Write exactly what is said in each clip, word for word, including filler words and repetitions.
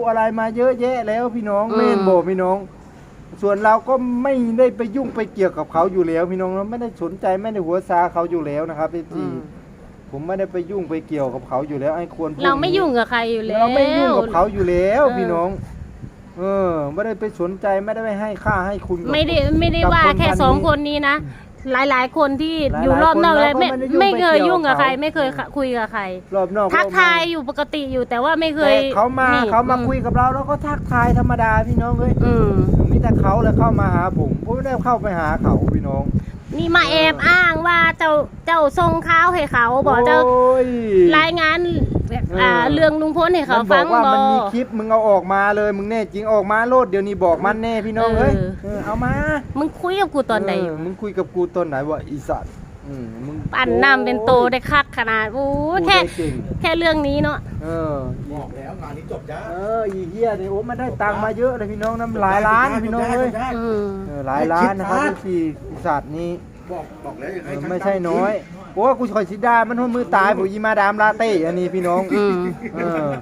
อะไรมาเยอะแยะแล้วพี่น้องอืมเม่นโบพี่น้อง ส่วนเราก็ไม่ได้ไปยุ่งไปเกี่ยวกับเขาอยู่แล้วพี่น้องเราไม่ได้สนใจไม่ได้หัวซาเขาอยู่แล้วนะครับพี่อืจีมผมไม่ได้ไปยุ่งไปเกี่ยวกับเขาอยู่แล้วไอ้ควรพวกเราไม่นี้ยุ่งกับใครอยู่แล้วเราไม่ยุ่งกับเขาอยู่แล้วเออพี่น้อง เออ ไม่ได้ไปสนใจไม่ได้ไปให้ค่าให้คุณกับไม่ได้ไม่ได้กับว่าคนแค่พันสองนี้คนนี้นะหลายๆ คนที่หลายๆอยู่รอบนอกคนเลยเราก็ไม่ไม่ได้ยุ่งไม่เคยไปเกี่ยวยุ่งกับกับใครเขาไม่เคยคุยกับใครรอบนอกทักรอบในทายอยู่ปกติอยู่แต่ว่าไม่เคยแต่เขามานี่เขามาอืคุยกับเราเราก็ทักทายธรรมดาพี่น้องเอ้ยอืมมีแต่เขาเลยเข้ามาหาผมผมไม่ได้เข้าไปหาเขาพี่น้องนี่มาแอบอ้างว่าเจ้าเจ้าส่งข้าวให้เขาบอกเจ้าโอ้ยรายงานเอออ่าเรื่องลุงพลให้เขามันบฟัอง กว่าบอมันมีคลิปมึงเอาออกมาเลยมึงแน่จริงออกมาโลดเดี๋ยวนี้บอกมันแน่พี่น้องเอ้ยเออเออเอามามึงคุยกับกูตอนไหนเมึงคุยกับกูตอนไหนวะอีสัตว์อืมมึงปั่นน้ำเป็นโตได้คักขนาดโอ้พูดแค่ได้เก่งแค่เรื่องนี้เนาะเออบอกแล้วงานนี้จบจ้าเอออีเหี้ยเนี่ยโอ้มันได้ตังค์มาเยอะเลยพี่น้องน้ำหลายล้านพี่น้องเอ้ยอืมเออหลายล้านนะครับที่สี่อีสัตว์นี้บอกบอกแล้วยังเอให้อช่างไม่ใช่น้อยโอ้กูคอยสิดามันหัวมือตายผมยีมาดามลาเต้อันนี้พี่น้องอืมเออ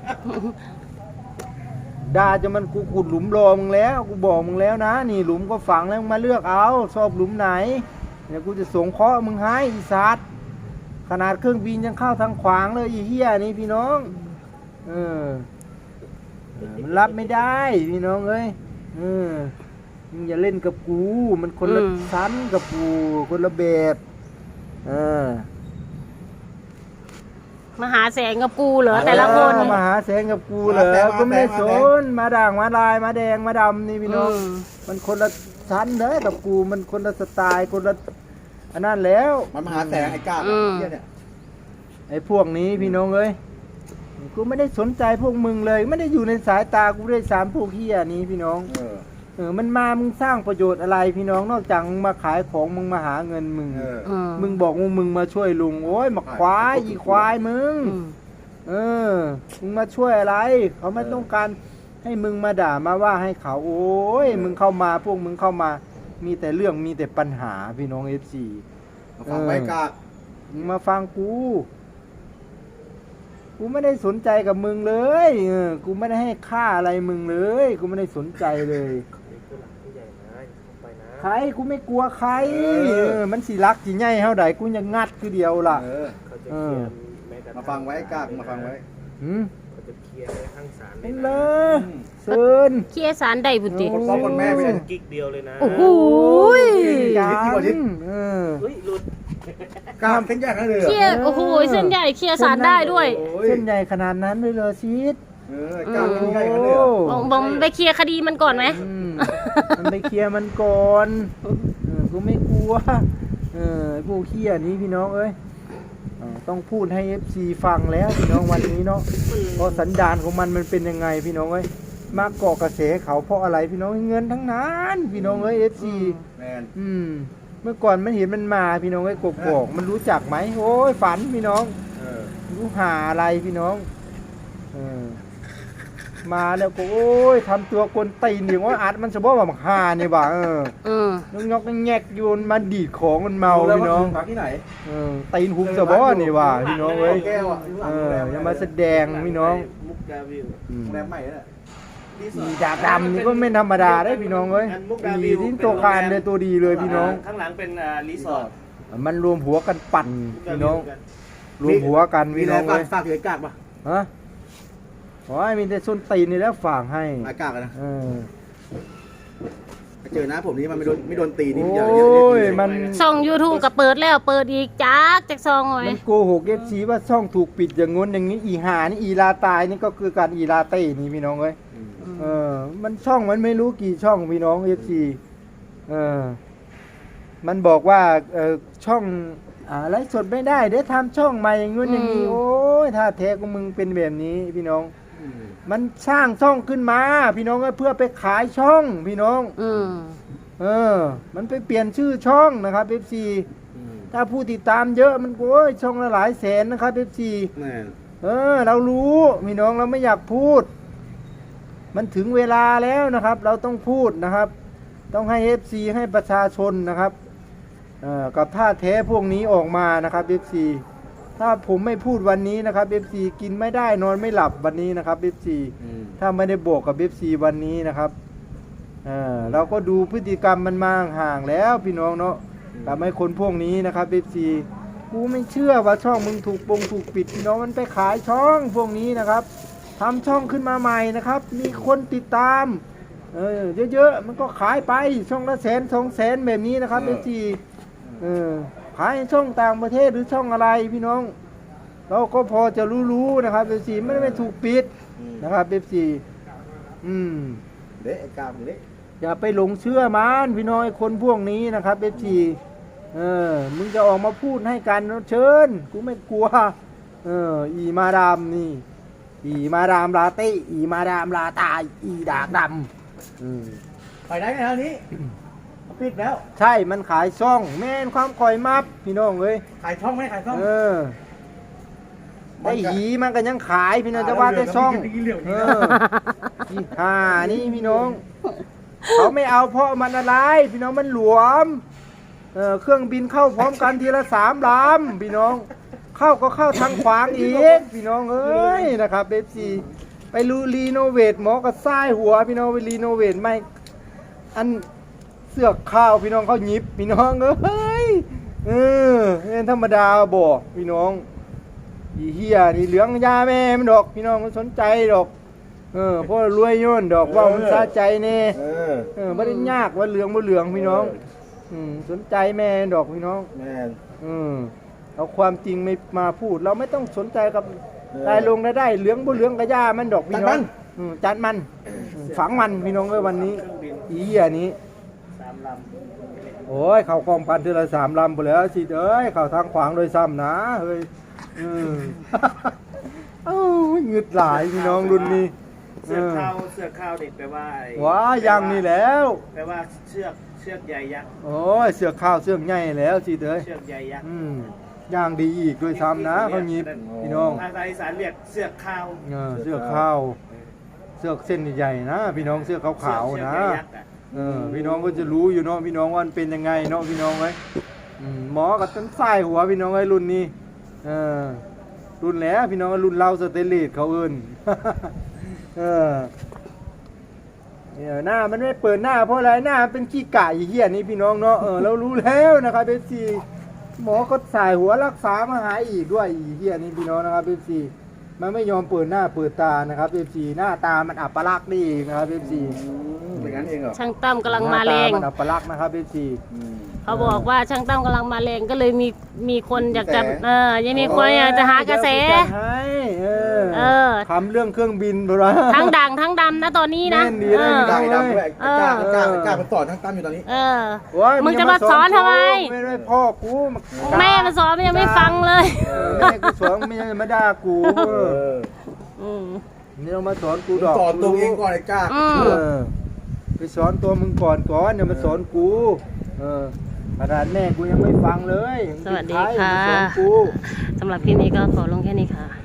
ด่าจะมันกูขุดหลุมรอมึงแล้วกูบอกมึงแล้วนะ นี่หลุมก็ฝังแล้วมึงมาเลือกเอาชอบหลุมไหนเดี๋ยวกูจะสงเคราะห์มึงให้อีสัตว์ขนาดเครื่องบินยังเข้าทางขวางเลยอีเหี้ยนี่พี่น้องเออเออมันรับไม่ได้พี่น้องเอ้ยเออมึงอย่าเล่นกับกูมันคนละอืมชั้นกับกูคนละแบบเออมาหาแสงกับกูเหรอแต่ละคนเออมาหาแสงกับกูเหรอก็ไม่ได้สนมาด่างมาลายมาแดงมาดำนี่พี่น้องอืมมันคนละชั้นเลยกับกูมันคนละสไตล์คนละอันนั้นแล้วมันมาหาแสงไอ้กาบอืมเหี้ยเนี่ยไอ้พวกนี้พี่น้องเอ้ยกูไม่ได้สนใจพวกมึงเลย ไม่ได้อยู่ในสายตากูด้วยสามพวกเฮียนี้พี่น้องเออเออมันมามึงสร้างประโยชน์อะไรพี่น้องนอกจากมึงมาขายของมึงมาหาเงินมึงเอออืมมึงบอกว่ามึงมาช่วยลุงโอ้ยมาควายอีควายมึงอืมเออ มึงมาช่วยอะไร เขาไม่ต้องการให้มึงมาด่ามาว่าให้เขา โอ้ย มึงเข้ามาพวกมึงเข้ามา มีแต่เรื่องมีแต่ปัญหาพี่น้องเอฟซีมาฟังไว้กาบมึงมาฟังกู กูไม่ได้สนใจกับมึงเลยเออกูไม่ได้ให้ค่าอะไรมึงเลย กูไม่ได้สนใจเลย ใครกูไม่กลัวใครเออมันสิรักสิใหญ่เท่าใดกูยังงัดคือเดียวล่ะเออเออมาฟังไว้กาบมาฟังไว้หืมเขาจะเคลียร์ในข้างศาลเป็นเลยเซินเคลียร์สารได้บุตรีคนพ่อคนแม่ไม่ได้กิ๊กเดียวเลยนะโอ้โหยกันทิศที่กว่าทิศเออเฮ้ยหลุดกาบเส้นใหญ่ขนาดเลยเหรเคลีอยร์โอ้โหเส้นใหญ่เคลียร์สารได้ด้วยโอ้ยเส้นใหญ่ขนาดนั้นเลยเหรอชีสเออกาบเส้นใหญ่ขนาดเลยเหรอบอกบอกไปเคลียร์คดีมันก่อนไหมอืมมันไปเคลียร์มันก่อนเออกูไม่กลัวเออไอ้พวกเขี้ยนี้พี่น้องเอ้ยเออต้องพูดให้ เอฟ ซี ฟังแล้วพี่น้องวันนี้เนาะเพราะสันดานของมันมันเป็นยังไงพี่น้องเอ้ยมาเกาะกระแสเขาเพราะอะไรพี่น้องเงินทั้งนั้นพี่น้องเอ้ย เอฟ ซีแมนอืมเมื่อก่อนมันเห็นมันมาพี่น้องไอ้กกอกมันรู้จักไหมโอ้ยฝันพี่น้องเออรู้หาอะไรพี่น้องเออมาแล้วก็โอ้ยทำตัวกวนตีนอย่างว่าอัดมันจะบอกว่ามันหาเนี่ยบ่าเอออืมนกยกแงกโยนมันดีดของมันเมารู้แล้วพี่น้องว่าพักที่ไหนเออตีนหุบจะบอกนี่ว่าพี่น้องเอ้ยแก้วอ่ะเอออย่ามาแสดงพี่น้องมุกดาวิวอืมโรงแรมใหม่นั่นแหละอีดาดำนี่ก็ไม่ธรรมดาได้พี่น้องเอ้ยอีทิ้งตัวคานเลยตัวดีเลยพี่น้องข้างหลังเป็นอ่ารีสอร์ทมันรวมหัวกันปั่นพี่น้อง รวมหัวกันมีพี่แรน้องงฝาเลกยฝากถึงไอ้กาบป่ะฮะโอ้ยมีแต่ส้นตีนนี่แล้วฝากให้ไอ้กาบอะนะเออไปเจอหน้าผมนี่มันไม่โดนไม่โดนตีนี่โอ้อย่าอย่าอย่าอย่ายมันช่อง YouTube ก็เปิดแล้วเปิดอีกจักจากซองหน่อยมันโกหกเอฟซีว่าช่องถูกปิดอย่างงู้นอย่างนี้อีหานี่อีลาตายนี่ก็คือการอีลาเต้นี่พี่น้องเอ้ยเออ มันช่องมันไม่รู้กี่ช่องพี่น้องเอฟซีเออ มันบอกว่าเออช่องอ่าไลฟ์สดไม่ได้เดี๋ยวทำช่องใหม่อย่างงู้นอย่างนี้โอ้ยถ้าแท้ของมึงเป็นแบบนี้พี่น้องอืมมันสร้างช่องขึ้นมา พี่น้องเพื่อไปขายช่องพี่น้องอืมเออ มันไปเปลี่ยนชื่อช่องนะครับ เอฟ ซีอืมถ้าผู้ติดตามเยอะมันโอ้ยช่องละหลายแสนนะครับ เอฟ ซีแม่นเออ เรารู้พี่น้องเราไม่อยากพูด มันถึงเวลาแล้วนะครับ เราต้องพูดนะครับ ต้องให้ เอฟ ซี ให้ประชาชนนะครับเอ่อกับท่าแท้พวกนี้ออกมานะครับ เอฟ ซี ถ้าผมไม่พูดวันนี้นะครับ เอฟ ซี กินไม่ได้นอนไม่หลับวันนี้นะครับ เอฟ ซีอืมถ้าไม่ได้บอกกับเอฟซีวันนี้นะครับเออเราก็ดูพฤติกรรมมันมาห่างแล้วพี่น้องเนาะกับไอ้คนพวกนี้นะครับเอฟซีกูไม่เชื่อว่าช่องมึงถูกปงถูกปิดพี่น้องมันไปขายช่องพวกนี้นะครับทำช่องขึ้นมาใหม่นะครับ มีคนติดตามเออเยอะๆมันก็ขายไปช่องละแสนสองแสนแบบนี้นะครับเอฟซีเออขายช่องต่างประเทศหรือช่องอะไรพี่น้องเราก็พอจะรู้ๆนะครับเอฟซีไม่ได้ไม่ถูกปิดนะครับเอฟซีอืมเละไอ้กามเละอย่าไปหลงเชื่อมันพี่น้องไอ้คนพวกนี้นะครับเอฟซีเออมึงจะออกมาพูดให้กันเชิญกูไม่กลัวเอออีมาดามนี่อีมาดามลาเต้อีมาดามลาตายอีดากดำอืมไปได้ไงแล้วนี้ปิดแล้วใช่มันขายช่องแม่นความคอยมับพี่น้องเอ้ยขายช่องไหมขายช่องเออได้หีมันก็ยังขายพี่น้องจะว่าแต่ช่องเอออีห่านี่พี่น้องเขาไม่เอาเพราะมันอะไรพี่น้องมันหลวมเออเครื่องบินเข้าพร้อมกันทีละสามลำพี่น้องเข้าก็เข้าทางขวางอีกพี่น้องเอ้ยนะครับเอฟซีไปรูรีโนเวทหมอก็ซ้ายหัวพี่น้องไปรีโนเวทไม่อันเสือกข้าวพี่น้องเขาหยิบพี่น้องเอ้ยเออเป็นธรรมดาบอกพี่น้องอีเฮียนี่เหลืองยาแม่มันดอกพี่น้องมันสนใจดอกเออเพราะรวยโย่นดอกว่ามันซาใจแน่เออเออไม่ได้ยากว่าเหลืองบ่เหลืองพี่น้องอืมสนใจแม่ดอกพี่น้องแม่นอืมเอาความจริงไม่มาพูด เราไม่ต้องสนใจกับเออรายลงรายได้เหลืองบ่เหลืองกระย่ามันดอกพี่น้จัอดงมันอืมจัดมันอืมฝังมันพี่น้องไว้วันนี้เครื่องบินอีเหี้ยนี้สามลโอ้ยเข่ากองพันเทือละสามลำไปแล้วสิเอ้ยเข่าทางขวางโดยซ้ำนะเฮ้ยอืม เอ้าหงึดหลายพี่น้องรุ่นนี้ำเสือกข้าวเสือกข้าวเด็กแปลว่าไอ้ว้ายังนี่แล้วแปลว่าเชือกเชือกใยยักษ์โอ้ยเสือกข้าวเสือกใหญ่แล้วสิเอ้ยเชือกใยยักษ์อืมย่างดีอีกด้วยซ้ำนะเขาหยิบพี่น้องภาษาอีสานเรียกเสือกข้าวเออเสื้อข้าวเสื้อเส้นใหญ่ๆนะ พี่น้องเสื้อขาวๆนะเชือกใยยักษ์อะเออพี่น้องก็จะรู้อยู่เนาะพี่น้องว่ามันเป็นยังไงเนาะพี่น้องไว้ยอืมหมอกับต้นสายหัวพี่น้องไว้รุ่นนี้เออรุ่นแล้วพี่น้องรุ่นเราสเตนเลสเขาเอิ้น เออเนี่ยหน้ามันไม่เปิดหน้าเพราะอะไรหน้ามันเป็นขี้ไก่เหี้ยนี่พี่น้องเนาะเออเรารู้แล้วนะครับเอฟซีหมอก็สายหัวรักษามาหายอีกด้วยอีเหี้ยนี่พี่น้องนะครับเอฟซีมันไม่ยอมเปิดหน้าเปิดตานะครับเอฟซีหน้าตามันอัปลักษณ์นี่นะครับเอฟซีเป็นงั้นเองเหรอช่างตั้มกำลังมาแรงหน้ตมันอัปลักษณ์นะครับเอฟซีอืมเขาบอกว่าช่างตั้มกำลังมาแรงก็เลยมีมีคนอยากจะกระแสเออยังมีคนอยากจะหากระแสให้เออเออทำเรื่องเครื่องบินไปละทั้งดังทั้งดำนะตอนนี้นะแน่นดีเอนะอได้ดำด้วยไอ้กล้าเออกล้ากล้ามันสอนทั้งตั้มอยู่ตอนนี้เออโอ้ยมึงจะมาสอนทำไมไม่ได้พ่อกูาแม่มันสอนมันยังไม่ฟังเลยเออแม่กูสอนไม่ใช่มาด่ากูเอออืมนี่ต้องมาสอนกูมึงดอกสอนตัวเองก่อนไอ้กล้าอืมเออไปสอนตัวมึงก่อนก่อนอย่ามาสอนกูเออขนาดแม่กูยังไม่ฟังเลยสวัสดีค่ะมึงเป็นใรมาสอนกูสำหรับคลิปนี้ก็ขอลงแค่นี้ค่ะ